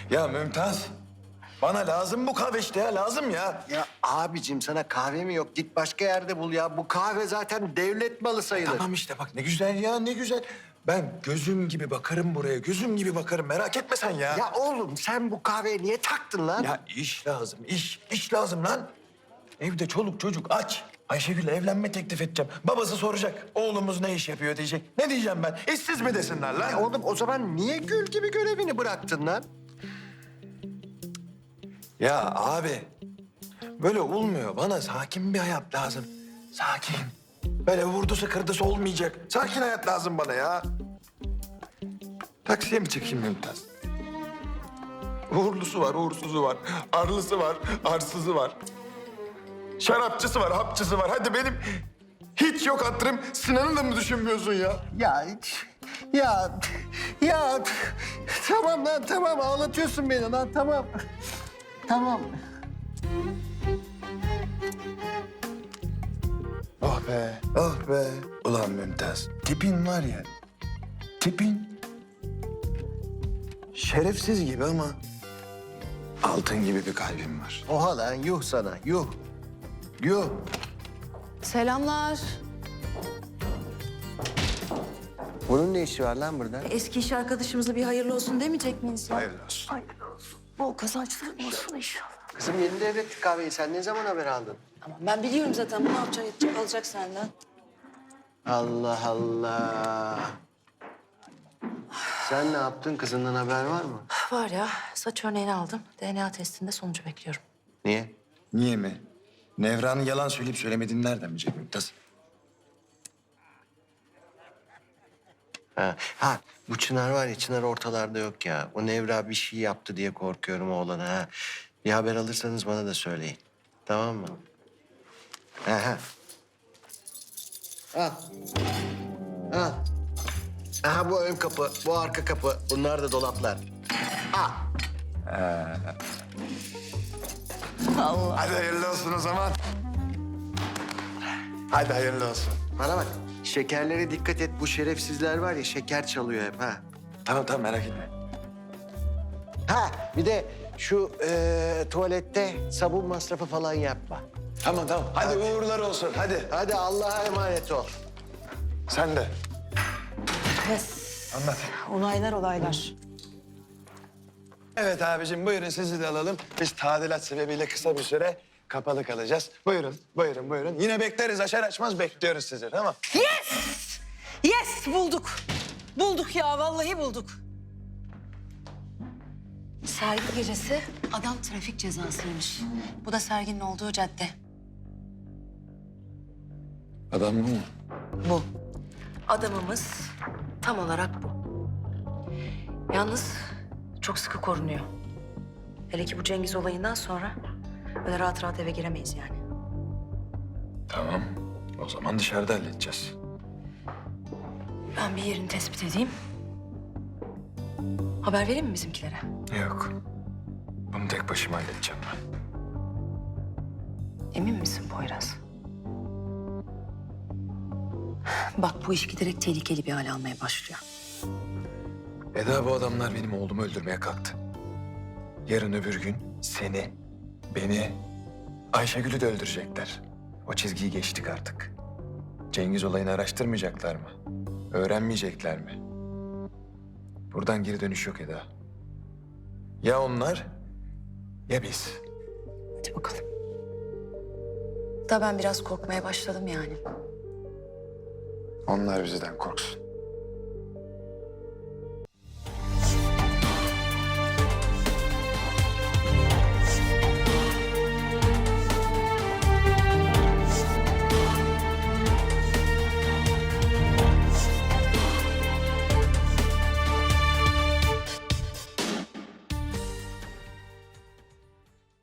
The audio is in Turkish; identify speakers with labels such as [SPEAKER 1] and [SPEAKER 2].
[SPEAKER 1] Ya Mümtaz, bana lazım bu kahve işte ya, lazım ya.
[SPEAKER 2] Ya abicim sana kahve mi yok? Git başka yerde bul ya. Bu kahve zaten devlet malı sayılır.
[SPEAKER 1] Tamam işte bak ne güzel ya, ne güzel. Ben gözüm gibi bakarım buraya, gözüm gibi bakarım. Merak etme sen ya.
[SPEAKER 2] Ya oğlum sen bu kahveye niye taktın lan?
[SPEAKER 1] Ya iş lazım, iş lazım lan. Evde çoluk çocuk aç. Ayşegül'le evlenme teklif edeceğim. Babası soracak, oğlumuz ne iş yapıyor diyecek. Ne diyeceğim ben? İşsiz mi desinler lan?
[SPEAKER 2] Oğlum o zaman niye gül gibi görevini bıraktın lan?
[SPEAKER 1] Ya abi, böyle olmuyor. Bana sakin bir hayat lazım. Sakin. Böyle vurdusu kırdısı olmayacak. Sakin hayat lazım bana ya. Taksiye mi çıkayım Mümtaz? Uğurlusu var, uğursuzu var. Arlısı var, arsızı var. Şarapçısı var, hapçısı var. Hadi benim hiç yok hatırım. Sinan'ı da mı düşünmüyorsun ya?
[SPEAKER 2] Ya tamam lan tamam ağlatıyorsun beni lan tamam. Tamam.
[SPEAKER 1] Oh be, oh be. Ulan Mümtaz, tipin var ya, tipin şerefsiz gibi ama altın gibi bir kalbin var.
[SPEAKER 2] Oha lan yuh sana yuh. Yuh.
[SPEAKER 3] Selamlar.
[SPEAKER 2] Bunun ne işi var lan burada?
[SPEAKER 3] Eski iş arkadaşımıza bir hayırlı olsun demeyecek miyiz ya?
[SPEAKER 1] Hayırlı olsun.
[SPEAKER 3] Bol kazançlar olsun inşallah.
[SPEAKER 2] Kızım yeni devrettik kahveyi. Sen ne zaman haber aldın?
[SPEAKER 3] Tamam ben biliyorum zaten bu ne yapacak edecek alacak senden.
[SPEAKER 2] Allah Allah. Sen ne yaptın? Kızından haber var mı?
[SPEAKER 3] Var ya saç örneğini aldım. DNA testinde sonucu bekliyorum.
[SPEAKER 2] Niye?
[SPEAKER 1] Niye mi? Nevran'ın yalan söyleyip söylemediğini nereden bilecek Mümtaz?
[SPEAKER 2] Ha bu Çınar var ya Çınar ortalarda yok ya. O Nevra bir şey yaptı diye korkuyorum oğlana ha. Bir haber alırsanız bana da söyleyin. Tamam mı? Ha. Al. Al. Aha bu ön kapı, bu arka kapı. Bunlar da dolaplar. Al.
[SPEAKER 1] Hadi hayırlı olsun o zaman. Hadi hayırlı olsun.
[SPEAKER 2] Bana bak. Şekerlere dikkat et. Bu şerefsizler var ya şeker çalıyor hep ha.
[SPEAKER 1] Tamam tamam merak etme.
[SPEAKER 2] Ha bir de şu tuvalette sabun masrafı falan yapma.
[SPEAKER 1] Tamam tamam. Hadi uğurlar olsun hadi.
[SPEAKER 2] Hadi Allah'a emanet ol.
[SPEAKER 1] Sen de.
[SPEAKER 3] Yes.
[SPEAKER 1] Anlat.
[SPEAKER 3] Olaylar olaylar.
[SPEAKER 1] Evet abicim buyurun sizi de alalım. Biz tadilat sebebiyle kısa bir süre kapalı kalacağız. Buyurun, buyurun, buyurun. Yine bekleriz açar açmaz bekliyoruz sizi tamam.
[SPEAKER 4] Yes bulduk. Bulduk ya vallahi bulduk.
[SPEAKER 3] Sergi gecesi adam trafik cezasıymış. Bu da serginin olduğu cadde.
[SPEAKER 1] Adam mı?
[SPEAKER 3] Bu. Adamımız tam olarak bu. Yalnız çok sıkı korunuyor. Hele ki bu Cengiz olayından sonra böyle rahat rahat eve giremeyiz yani.
[SPEAKER 1] Tamam. O zaman dışarıda halledeceğiz.
[SPEAKER 3] Ben bir yerini tespit edeyim. Haber vereyim mi bizimkilere?
[SPEAKER 1] Yok. Bunu tek başıma halledeceğim ben.
[SPEAKER 3] Emin misin Poyraz? Bak bu iş giderek tehlikeli bir hale almaya başlıyor.
[SPEAKER 1] Eda bu adamlar benim oğlumu öldürmeye kalktı. Yarın öbür gün seni, beni, Ayşegül'ü de öldürecekler. O çizgiyi geçtik artık. Cengiz olayını araştırmayacaklar mı? Öğrenmeyecekler mi? Buradan geri dönüş yok Eda. Ya onlar ya biz.
[SPEAKER 3] Hadi bakalım. Da ben biraz korkmaya başladım yani.
[SPEAKER 1] Onlar bizden korksun.